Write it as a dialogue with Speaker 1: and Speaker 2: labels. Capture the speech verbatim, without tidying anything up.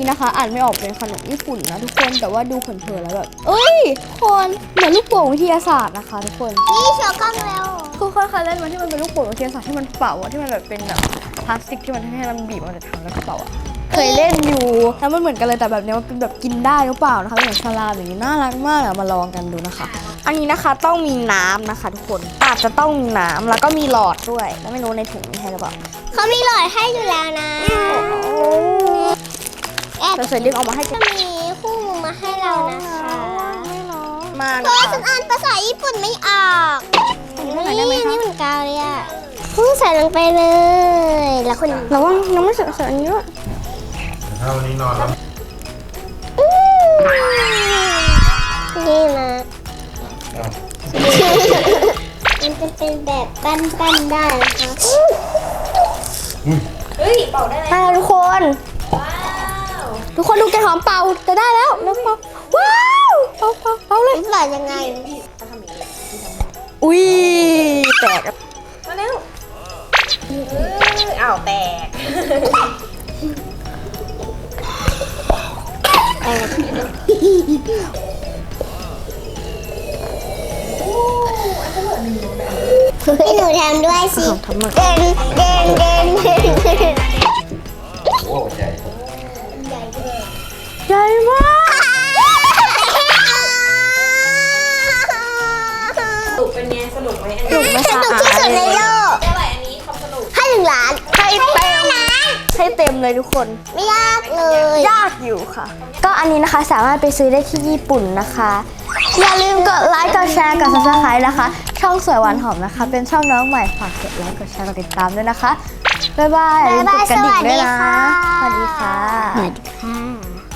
Speaker 1: นี้นะคะอ่านไม่ออกเป็นขนมญี่ปุ่นนะทุกคนแต่ว่าดูเผินๆแล้วแบบเอ้ยคนเหมือนลูกโป่งวิทยาศาสตร์นะคะทุกคน
Speaker 2: นี่โชว์กล้องแล้ว
Speaker 1: คือเคยเคยเล่นมาที่มันเป็นลูกโป่งวิทยาศาสตร์ที่มันเป่าอะที่มันแบบเป็นแบบพลาสติกที่มันให้มันบีบมันจะทำแล้วก็เป่าอะเคยเล่นอยู่แล้วมันเหมือนกันเลยแต่แบบนี้มันเป็นแบบกินได้หรือเปล่านะคะเหมือนสลามอย่างนี้น่ารักมากอะมาลองกันดูนะคะอันนี้นะคะต้องมีน้ำนะคะทุกคนอาจจะต้องมีน้ำแล้วก็มีหลอดด้วยแล้วไม่รู้ในถุงมีให้หรือเปล่า
Speaker 2: เขามีหลอดให้อยู่แล้วนะแอบ
Speaker 1: เราใส่เรียกออกมาให้
Speaker 2: จะมีคู่มือมาให้เรานะคะ
Speaker 1: มา
Speaker 2: เพราะว่าฉันอ่านภาษาญี่ปุ่นไม่ออกนี่นี่เหมือนกาวเลยอ่ะพุ่งใส่ลงไปเลยแล้วคุณ
Speaker 1: ระวังยังไม่เสร็จเสร็จอันนี้ด้วย
Speaker 3: ถ้าวันนี้นอนแล้ว
Speaker 2: นี่นะ
Speaker 3: อ้าว
Speaker 2: มันจะเป็นแบบปั้นๆได้นะคะ
Speaker 1: มาทุกคนทุกคนดูแกหอมเป่าจะได้แล้วแล้วเป่าว้าวเป่าเป่าเป่าเลย
Speaker 2: หลอดยังไง
Speaker 1: อุ้ยแตก
Speaker 4: มาเร็วอ้าวแตก
Speaker 2: ให้หนูทำด้วยสิ
Speaker 1: ทำมา
Speaker 2: เดินเดินเดินเดินเดิน
Speaker 3: โอ้ใหญ่
Speaker 1: ใหญ่มาก
Speaker 4: สนุกเป็นไงสนุกไหมอัน
Speaker 1: สนุ
Speaker 4: นี้
Speaker 1: กไหม
Speaker 2: ส
Speaker 1: คะ
Speaker 2: นุกที่สุดในโลก
Speaker 4: เท่าไหร่อันนี้ความสนุก
Speaker 2: ให้หนึ่งล้าน
Speaker 1: ให้เต็มให้เต็มเลยทุกคน
Speaker 2: ไม่ยากเลย
Speaker 1: ยากอยู่ค่ะ ก็อันนี้นะคะสามารถไปซื้อได้ที่ญี่ปุ่นนะคะ อย่าลืมกดไลค์กดแชร์กด ซับสไครบ์ นะคะ ช่องสวยหวานหอมนะคะ เป็นช่องน้องใหม่ฝากกดไลค์กดแชร์กดติดตามด้วยนะคะบ๊ายบายอย่าลืมกดกระดิ่งด้วยนะสวัสดีค่ะ
Speaker 2: สวัสดีค่ะ